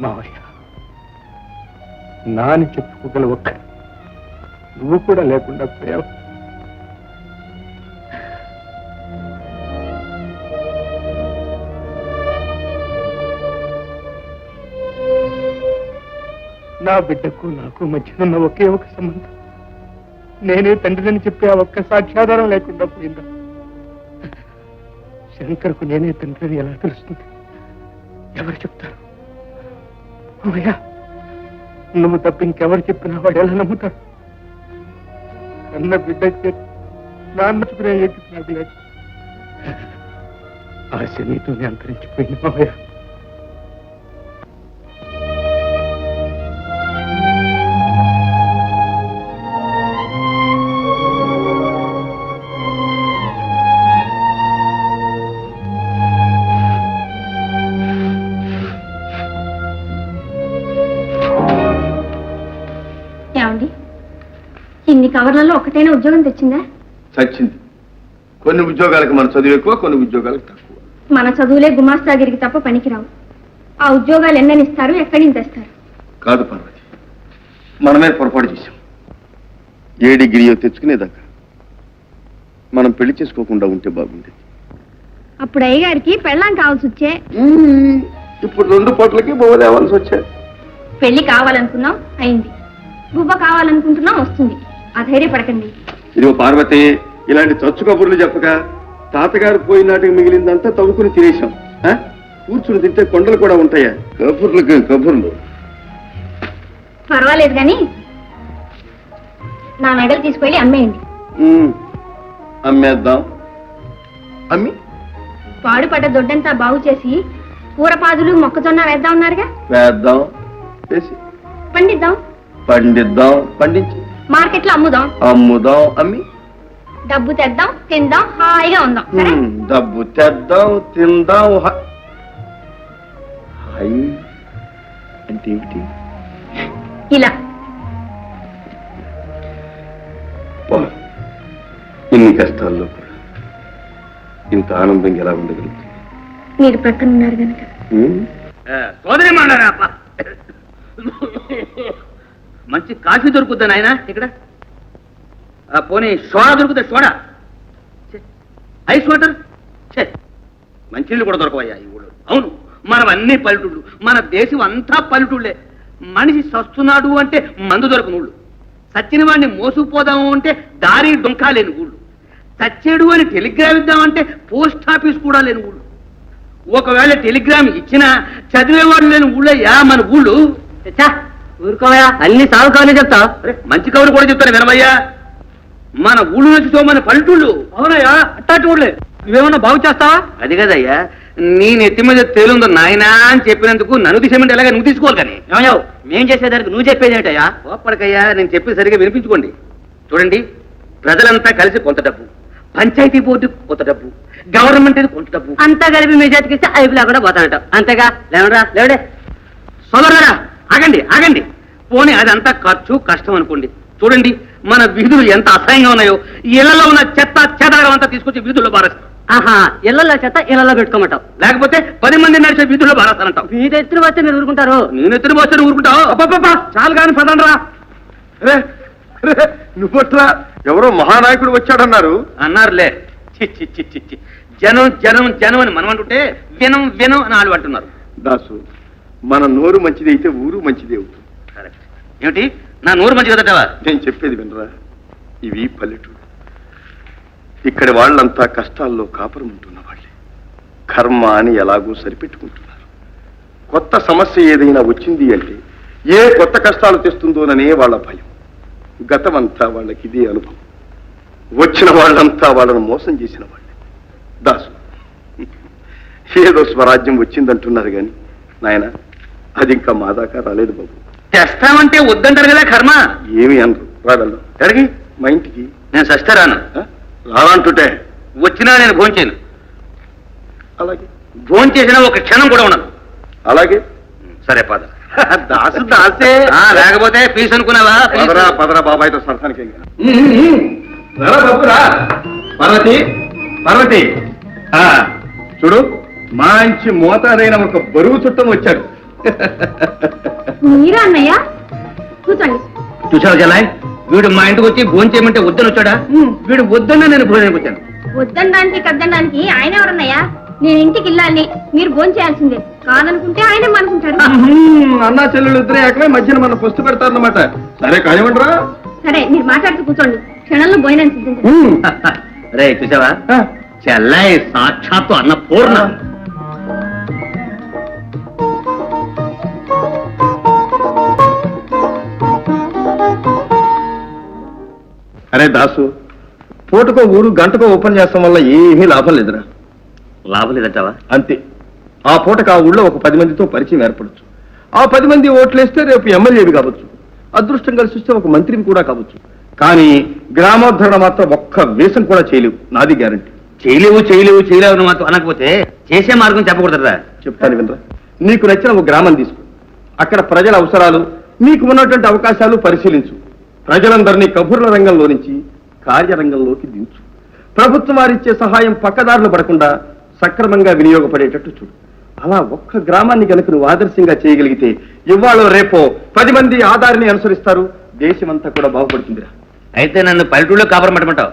మావయ్య, నాని చెప్పుకోగల ఒక్క నువ్వు కూడా లేకుండా పోయావు. నా బిడ్డకు నాకు మధ్యనున్న ఒకే ఒక సంబంధం, నేనే తండ్రిని చెప్పే ఆ ఒక్క సాక్ష్యాధారం లేకుండా పోయిందా? శంకర్కు నేనే తండ్రిని ఎలా తెలుస్తుంది? ఎవరు చెప్తారు? అమ్మయ్యా, నువ్వు తప్ప ఇంకెవరు చెప్పినా వాడు ఎలా నమ్ముతాడు? కన్న బిడ్డ నాన్న చుకునే నాకు లేదు. ఆశ నీతోనే అంతరించిపోయింది మావయ్య. ఇన్ని కవర్లలో ఒకటైనా ఉద్యోగం తెచ్చిందా? చచ్చింది. కొన్ని ఉద్యోగాలకు మన చదువు ఎక్కువ, కొన్ని ఉద్యోగాలకు తక్కువ. మన చదువులే గుమాస్తాగిరికి తప్ప పనికిరావు. ఆ ఉద్యోగాలు ఎన్నని ఇస్తారు, ఎక్కడి నుంచి తెస్తారు? కాదు పార్వతి, మనమే పొరపాటు చేశాం. ఏ డిగ్రీయో తెచ్చుకునేదాకా మనం పెళ్లి చేసుకోకుండా ఉంటే బాగుండేది. అప్పుడు అయ్యగారికి పెళ్ళాం కావాల్సి వచ్చే. ఇప్పుడు 2 పూటలకి బొవ్వ తేవాల్సి వచ్చాయి. పెళ్లి కావాలనుకున్నాం, అయింది. బువ్వ కావాలనుకుంటున్నాం, వస్తుంది. అధైర్యపడకండి. ఇదిగో పార్వతి, ఇలాంటి చచ్చు కబుర్లు చెప్పక తాతగారు పోయినాటికి మిగిలిందంతా తవ్వుకుని తినేశాం. కూర్చుని తింటే కొండలు కూడా ఉంటాయా? కబుర్లు పర్వాలేదు కానీ నా మెడలు తీసుకెళ్ళి అమ్మేయండి. అమ్మేద్దాం. అమ్మి పాడుపడ్డ దొడ్డంతా బాగు చేసి కూరపాదులు మొక్కజొన్న వేద్దాం ఉన్నారుగా. వేద్దాం, వేసి పండిద్దాం, పండించి మార్కెట్లో అమ్ముదాం, అమ్మి డబ్బు తెద్దాం, తిందాం, హాయిగా ఉందాం. డబ్బు తెద్దాం, తిందాం. హాయి అంటే ఏమిటి? ఇలా ఇన్ని కష్టాల్లో కూడా ఇంత ఆనందంగా ఎలా ఉండగలుగుతుంది? మీరు ప్రక్కన ఉన్నారు కనుక. సోదరి మండరా, మంచి కాఫీ దొరుకుద్దా నాయన ఇక్కడ? పోనీ సోడా దొరుకుతా? సోడా, ఐస్ వాటర్, మంచినీళ్ళు కూడా దొరకవయ్యా ఈ ఊళ్ళో. అవును, మనం అన్ని పల్లెటూళ్ళు, మన దేశం అంతా పల్లెటూళ్ళే. మనిషి సస్తున్నాడు అంటే మందు దొరకని ఊళ్ళు, సచ్చిన వాడిని మోసుకుపోదాము అంటే దారి డొంకా లేని ఊళ్ళు, చచ్చేడు అని టెలిగ్రామ్ ఇద్దామంటే పోస్ట్ ఆఫీస్ కూడా లేని ఊళ్ళు. ఒకవేళ టెలిగ్రామ్ ఇచ్చినా చదివేవాడు లేని ఊళ్ళయ్యా మన ఊళ్ళు. ఊరుకోవయా, అన్ని సాగు కవర్లు చెప్తా. మంచి కవులు కూడా చెప్తాను వినమయ్యా. మన ఊళ్ళు నుంచి మన పల్లెటూళ్ళు. అవునయ్యా, అట్టాటి ఊళ్ళే. నువ్వేమన్నా బాగు చేస్తావా? అది కదయ్యా, నీ నెత్తి మీద తేలుందో నాయనా అని చెప్పినందుకు నన్ను తీసేమంటే ఎలాగా నువ్వు తీసుకోవాలి. కానీ ఏమయ్యావు, మేం చేసేదానికి నువ్వు చెప్పేది ఏంటయ్యా? ఓపడకయ్యా, నేను చెప్పేది సరిగా వినిపించుకోండి. చూడండి, ప్రజలంతా కలిసి కొంత డబ్బు, పంచాయతీ బోర్డు కొంత డబ్బు, గవర్నమెంట్ కొంత డబ్బు, అంతా కలిపి మీ చేతికిస్తే అయిపోలా కూడా పోతానట. అంతేగా? లేవరా, లేవడే. సోదరులారా, ఆగండి. పోనీ అదంతా ఖర్చు, కష్టం అనుకోండి. చూడండి, మన వీధులు ఎంత అసహ్యంగా ఉన్నాయో. ఇళ్లలో ఉన్న చెత్త చెదారం అంతా తీసుకొచ్చి వీధుల్లో బారేస్తాం. ఇళ్లలో చెత్త ఇళ్లలో పెట్టుకోమంటావు, లేకపోతే 10 మంది నడిచే వీధుల్లో బారేస్తానంటావు. మీ ఎత్తున వస్తే మీరు ఊరుకుంటారు? నేను ఎత్తున వస్తే ఊరుకుంటావు? అబ్బా, చాలు కానీ పదండ్రా. నువ్వట్లా ఎవరో మహానాయకుడు వచ్చాడన్నారు. అన్నారులే. చి జనం అని మనం అంటుంటే వినం అని వాళ్ళు అంటున్నారు. దాసు, మన నోరు మంచిది అయితే ఊరు మంచిది అవుతుంది. కరెక్ట్. ఏమిటి నా నోరు మంచి కదటవా? నేను చెప్పేది వినరా, ఇవి పల్లెటూరు. ఇక్కడి వాళ్ళంతా కష్టాల్లో కాపురం ఉంటున్న వాళ్ళే. కర్మ అని ఎలాగో సరిపెట్టుకుంటున్నారు. కొత్త సమస్య ఏదైనా వచ్చింది అంటే ఏ కొత్త కష్టాలు తెస్తుందోననే వాళ్ళ భయం. గతమంతా వాళ్ళకి ఇదే అనుభవం. వచ్చిన వాళ్ళంతా వాళ్ళను మోసం చేసిన వాళ్ళే. దాసు, ఏదో స్వరాజ్యం వచ్చిందంటున్నారు కానీ నాయన, అది ఇంకా మా దాకా రాలేదు బాబు. తెస్తామంటే వద్దంటారు కదా కర్మ. ఏమి అనరు. రాగలరు ఎక్కడికి? మా ఇంటికి. నేను సస్తే రాను. రానంటుంటే వచ్చినా నేను భోంచేయను. అలాగే. భోంచేసినా ఒక క్షణం కూడా ఉండను. అలాగే. సరే పద. దాసు దాసే, లేకపోతే ఫీజు అనుకున్నావా? పదరా బాబాయ్తో సరసానికి. పార్వతి, చూడు, మంచి మోతాదైన ఒక బరువు చుట్టం వచ్చాడు. మీరా అన్నయ్య? కూర్చోండి. చూసావు జలాయ్, వీడు మా ఇంటికి వచ్చి భోజనం చేయమంటే వద్దని వచ్చాడా? వీడు వద్దన్నా నేను భోజనానికి వచ్చాను. వద్దనడానికి కద్దనడానికి ఆయన ఎవరన్నయ్యా? నేను ఇంటికి వెళ్ళాలి, మీరు భోజనం చేయాల్సిందే. కాదనుకుంటే ఆయన అనుకుంటాడు. అన్నా చెల్లెలు ఇద్దరే ఏకమే మధ్యన మన పొస్తు పెడతారన్నమాట. సరే కానివ్వండిరా. సరే, మీరు మాట్లాడుతూ కూర్చోండి, క్షణంలో భోజనం సిద్ధించండి. రే చూసావా, చెల్లాయి సాక్షాత్తు అన్న పూర్ణ. అరే దాసు, పూటకో ఊరు గంటకో ఓపెన్ చేస్తాం వల్ల ఏమీ లాభం లేదురా. లాభం లేదంటావా? అంతే. ఆ పూటకు ఆ ఊళ్ళో ఒక 10 మందితో పరిచయం ఏర్పడచ్చు. ఆ 10 మంది ఓట్లేస్తే రేపు ఎమ్మెల్యేవి కావచ్చు, అదృష్టం కలిసి వస్తే ఒక మంత్రిని కూడా కావచ్చు. కానీ గ్రామోద్ధరణ మాత్రం ఒక్క వేషం కూడా చేయలేవు, నాది గ్యారంటీ. చేయలేవు అని మాత్రం అనకపోతే చేసే మార్గం చెప్పకూడదురా. చెప్తాను వినరా. నీకు నచ్చిన ఒక గ్రామం తీసుకో, అక్కడ ప్రజల అవసరాలు, నీకు ఉన్నటువంటి అవకాశాలు పరిశీలించు. ప్రజలందరినీ కబుర్ల రంగంలో నుంచి కార్యరంగంలోకి దించు. ప్రభుత్వం వారిచ్చే సహాయం పక్కదారులు పడకుండా సక్రమంగా వినియోగపడేటట్టు చూడు. అలా ఒక్క గ్రామాన్ని కనుక నువ్వు ఆదర్శంగా చేయగలిగితే ఇవాళ రేపో 10 మంది ఆధారిని అనుసరిస్తారు, దేశమంతా కూడా బాగుపడుతుందిరా. అయితే నన్ను పల్లెటూళ్ళలో కాపురం పెట్టమంటావు?